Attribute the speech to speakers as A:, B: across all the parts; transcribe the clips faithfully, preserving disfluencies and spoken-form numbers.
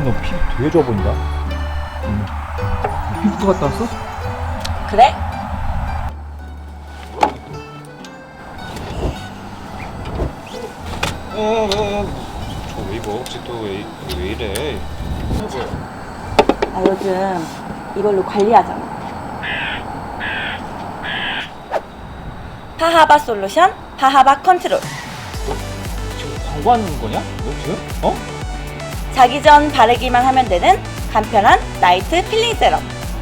A: 너 피부 되게 좋아 보인다. 응. 피부과 갔다 왔어?
B: 그래?
C: 저 웨이브 혹시 또 왜 왜 이래?
B: 나 요즘 이걸로 관리하잖아. 파하바 솔루션 파하바 컨트롤.
A: 지금 광고하는 거냐? 너 지금? 어?
B: 자기 전 바르기만 하면 되는 간편한 나이트 필링 세럼.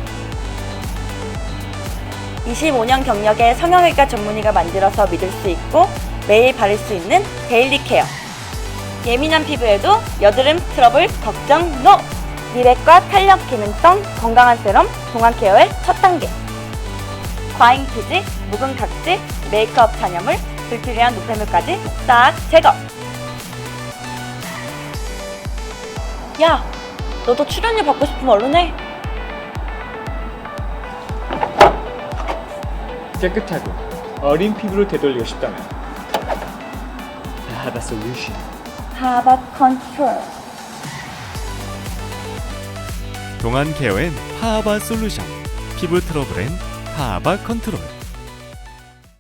B: 이십오 년 경력의 성형외과 전문의가 만들어서 믿을 수 있고 매일 바를 수 있는 데일리 케어. 예민한 피부에도 여드름 트러블 걱정 NO! 미백과 탄력 기능성 건강한 세럼 동안 케어의 첫 단계. 과잉 피지, 묵은 각질, 메이크업 잔여물, 불필요한 노폐물까지 싹 제거. 야, 너도 출연료 받고 싶으면 얼른 해.
A: 깨끗하고 어린 피부를 되돌리고 싶다면 하바 솔루션.
B: 하바 컨트롤.
D: 동안 케어엔 파하바 솔루션, 피부 트러블엔 파하바 컨트롤.